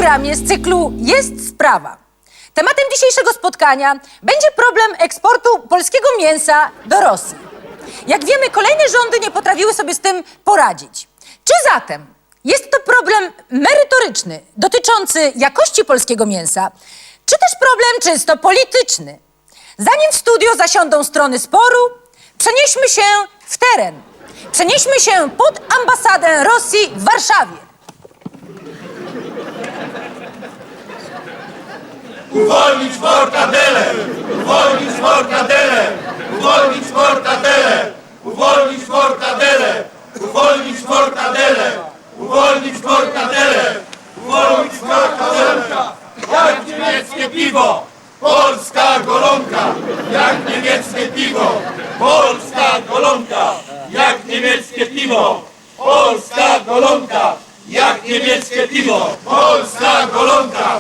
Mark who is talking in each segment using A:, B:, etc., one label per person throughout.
A: programie z cyklu Jest sprawa. Tematem dzisiejszego spotkania będzie problem eksportu polskiego mięsa do Rosji. Jak wiemy, kolejne rządy nie potrafiły sobie z tym poradzić. Czy zatem jest to problem merytoryczny, dotyczący jakości polskiego mięsa, czy też problem czysto polityczny? Zanim w studio zasiądą strony sporu, przenieśmy się w teren. Przenieśmy się pod ambasadę Rosji w Warszawie.
B: Uwolnić mortadelę! Uwolnić mortadelę! Uwolnić mortadelę! Uwolnić mortadelę! Uwolnić mortadelę! Uwolnić mortadelę! Uwolnić mortadelę! Jak niemieckie piwo! Polska golonka! Jak niemieckie piwo! Polska golonka! Jak niemieckie piwo! Polska golonka! Jak niemieckie piwo! Polska golonka!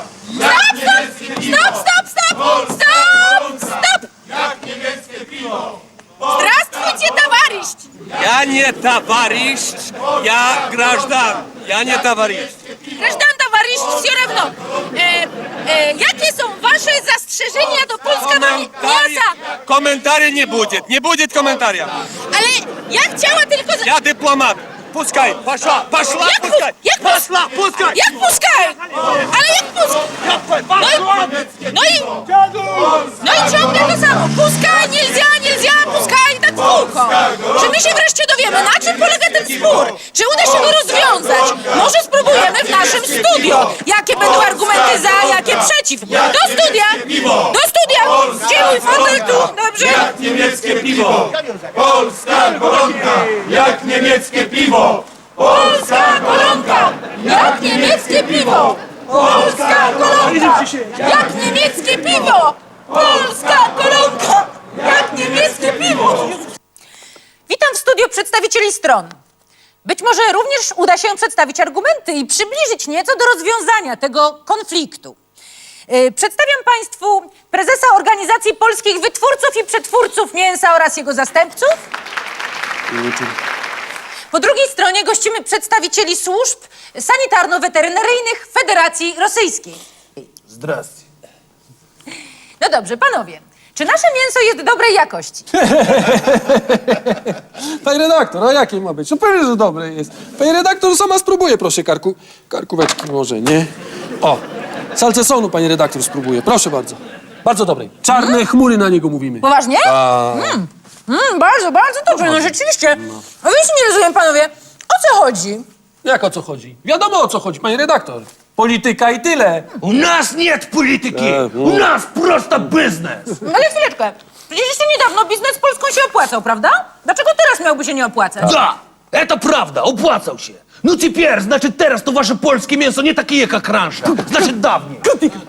A: Stop!
B: Jak niemieckie piwo!
A: Здравствуйте, товарищ!
C: Я не товарищ, я граждан, я не товарищ.
A: Граждан, товарищ, все равно. Jakie są wasze zastrzeżenia do polskiego mięsa?
C: Комментария не будет комментария.
A: Ale ja chciała tylko...
C: Я дипломат. Пускай, пошла,
A: Jak
C: пускай, пошла, пускай.
A: Jak puszkaj? Ale jak puszkaj? No i ciągle to samo. Puszkaj, nельзя, puszkaj, tak w kółko. Czy my się wreszcie dowiemy, na czym polega ten spór? Czy uda się go rozwiązać? Może spróbujemy w naszym studio. Jakie będą argumenty za, jakie przeciw? Do studia! Do studia! Gdzie mój fotel tu? Dobrze?
B: Jak niemieckie piwo! Polska golonka! Jak niemieckie piwo! Polska golonka!
A: Jak niemieckie piwo! Polska golonka! Jak niemieckie piwo! Polska golonka! Jak niemieckie piwo! Witam w studiu przedstawicieli stron. Być może również uda się przedstawić argumenty i przybliżyć nieco do rozwiązania tego konfliktu. Przedstawiam Państwu prezesa Organizacji Polskich Wytwórców i Przetwórców Mięsa oraz jego zastępców. Po drugiej stronie gościmy przedstawicieli służb sanitarno-weterynaryjnych Federacji Rosyjskiej.
D: Zdrastie.
A: No dobrze, panowie, czy nasze mięso jest dobrej jakości?
D: Pani redaktor, a jakie ma być? No pewnie, że dobre jest. Pani redaktor sama spróbuje, proszę, karkóweczki może, nie? O, salcesonu pani redaktor spróbuje, proszę bardzo. Bardzo dobrej. Czarne chmury na niego mówimy.
A: Poważnie? Bardzo, bardzo dobrze, no rzeczywiście. A więc nie rozumiem, panowie, o co chodzi?
D: Jak o co chodzi? Wiadomo o co chodzi, pani redaktor. Polityka i tyle.
E: У нас нет политики! У нас просто бизнес!
A: No ale chwileczkę, przecież jeszcze niedawno biznes z Polską się opłacał, prawda? Dlaczego teraz miałby się nie opłacać?
E: Да, это правда, opłacał się. No теперь, значит, teraz to wasze polskie mięso nie takie jak раньше. Значит, dawniej.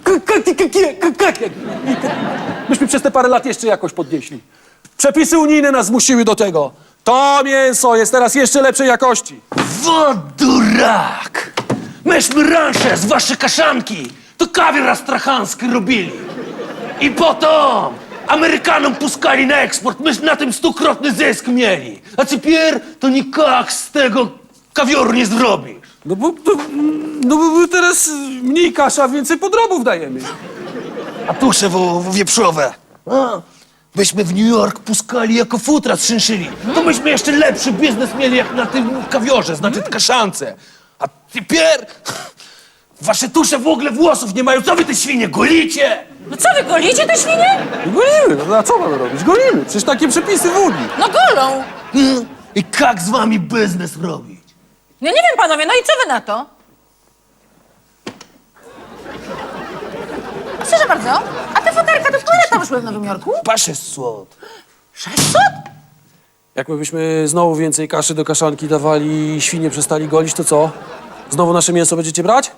D: Myśmy przez te parę lat jeszcze jakoś podnieśli. Przepisy unijne nas zmusiły do tego. To mięso jest teraz jeszcze lepszej jakości.
E: Вот дурак! Myśmy раньше z waszej kaszanki to kawior astrachanski robili. I potem Amerykanom puskali na eksport, myśmy na tym 100-krotny zysk mieli. A теперь to nikak z tego kawioru nie zrobisz.
D: No bo teraz mniej kasza, więcej podrobów dajemy.
E: A tusze wieprzowe. A, byśmy w New York puskali jako futra z szynszyli. To myśmy jeszcze lepszy biznes mieli jak na tym kawiorze, znaczy kaszance. A теперь wasze tusze w ogóle włosów nie mają. Co wy te świnie golicie?
A: No co, wy golicie te świnie?
D: Golimy, no a co mamy robić? Golimy, przecież takie przepisy w Unii.
A: No golą.
E: I jak z wami biznes robić?
A: No nie wiem, panowie, no i co wy na to? Proszę bardzo, a te futerka to które tam szły w Nowym Jorku?
E: Pasze słod.
A: 600?
D: Jakbyśmy znowu więcej kaszy do kaszanki dawali i świnie przestali golić, to co? Znowu nasze mięso będziecie brać?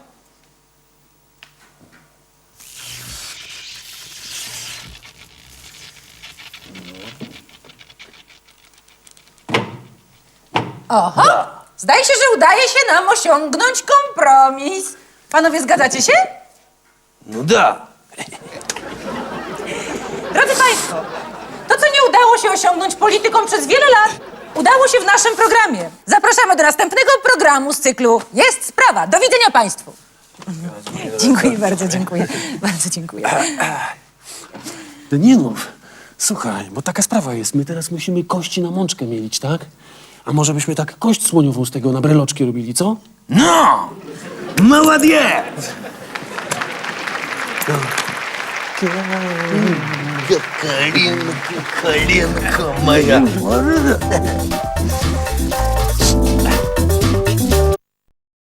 A: Oho, zdaje się, że udaje się nam osiągnąć kompromis. Panowie, zgadzacie się?
E: No da.
A: Drodzy Państwo, to, co nie udało się osiągnąć politykom przez wiele lat, udało się w naszym programie. Zapraszamy do następnego programu z cyklu Jest sprawa. Do widzenia Państwu. Dziękuję bardzo, dziękuję. Bardzo dziękuję.
D: Deninów, słuchaj, bo taka sprawa jest. My teraz musimy kości na mączkę mielić, tak? A może byśmy tak kość słoniową z tego na breloczki robili, co?
E: No! Молодец!
F: Коленка моя.